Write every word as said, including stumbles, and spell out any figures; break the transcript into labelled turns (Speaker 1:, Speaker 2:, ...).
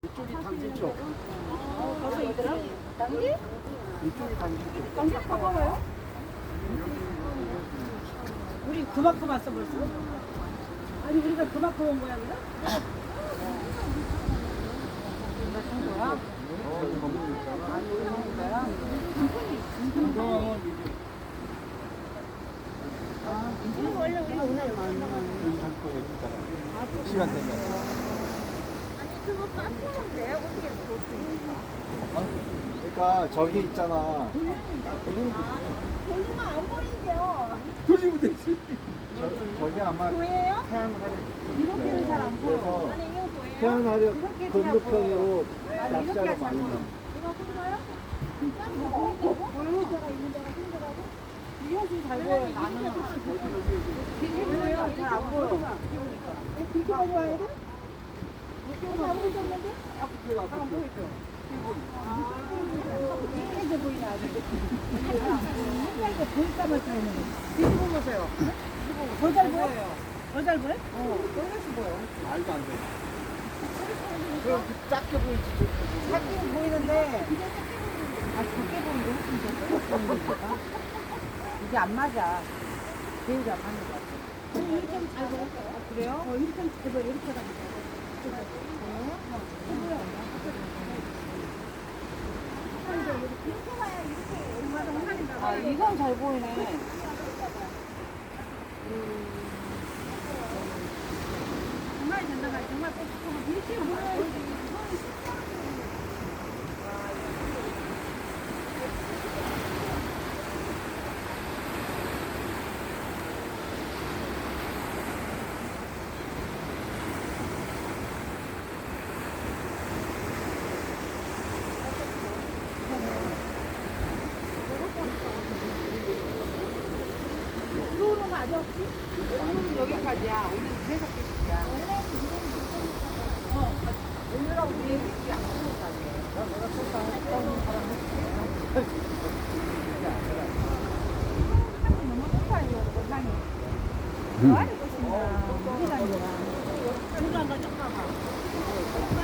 Speaker 1: 이쪽이 당진 쪽.
Speaker 2: 어, 벌써 있더라? 당기?
Speaker 1: 이쪽이 당진 쪽.
Speaker 2: 당기 가봐요. 우리 그만큼 왔어 벌써? 아니 우리가 그만큼 온 모양이야? 우리가 산 거야?
Speaker 1: 여기 건물 있잖아.
Speaker 2: 아니 우리가 산 거야?
Speaker 1: 건강은 이제
Speaker 2: 아, 이거 원래 우리가 오늘 많이
Speaker 1: 여기 할 거예요, 있잖아. 시간 되면.
Speaker 2: 그거 깜짝인데 어떻게
Speaker 1: 그러니까 저기 있잖아.
Speaker 2: 돌리면 안 보이죠?
Speaker 1: 돌리면 되지. 저, 저기 아마
Speaker 2: 보여요?
Speaker 1: 태양하려.
Speaker 2: 이렇게는 잘 안 보여.
Speaker 1: 그래서
Speaker 2: 아니 이거 보여요?
Speaker 1: 태양하려
Speaker 2: 이렇게
Speaker 1: 건너편으로
Speaker 2: 아니 이렇게
Speaker 1: 낚시하러
Speaker 2: 하지
Speaker 1: 많이
Speaker 2: 않고.
Speaker 1: 나.
Speaker 2: 이거 보여요? 진짜? 이거 보인다고? 보이는 데가 있는 데가 힘들하고? 이 현실 잘 보여 나는. 이게 보여? 잘 안 보여. 이렇게 봐야 돼? 이렇게 안 보이셨는데? 안 보이죠? 이게 보이네 아직. 이게 보일까 말까 하는 거. 뒤집어 보세요. 더 잘 보여요. 더 잘 보여? 어, 떨려서 보여.
Speaker 1: 말도 안 돼. 그럼 그 작게 보이지.
Speaker 2: 작게 보이는데, 아, 작게 보이는데 훨씬 더 보이니까. 이게 안 맞아. 제일 안 맞는 것 같아. 이렇게 하면 잘 보여? 그래요? 어, 이렇게 하면 잘 보여. 이렇게 하면 잘 보여. 아, 이건 잘 보이네. 정말 된다, 정말 이렇게 보여야지. 들어오는 거 아니야 혹시? 오늘은 여기까지야. 오늘 계속 계속이야. 어, 오늘하고 우리 얘기 안 하는 거 아니에요? 내가 속상 했던 사람 했지. 너무 속상해요, 세상에. 뭐 하는 것인가? 우리가 아니라. 우리가 너 잠깐만.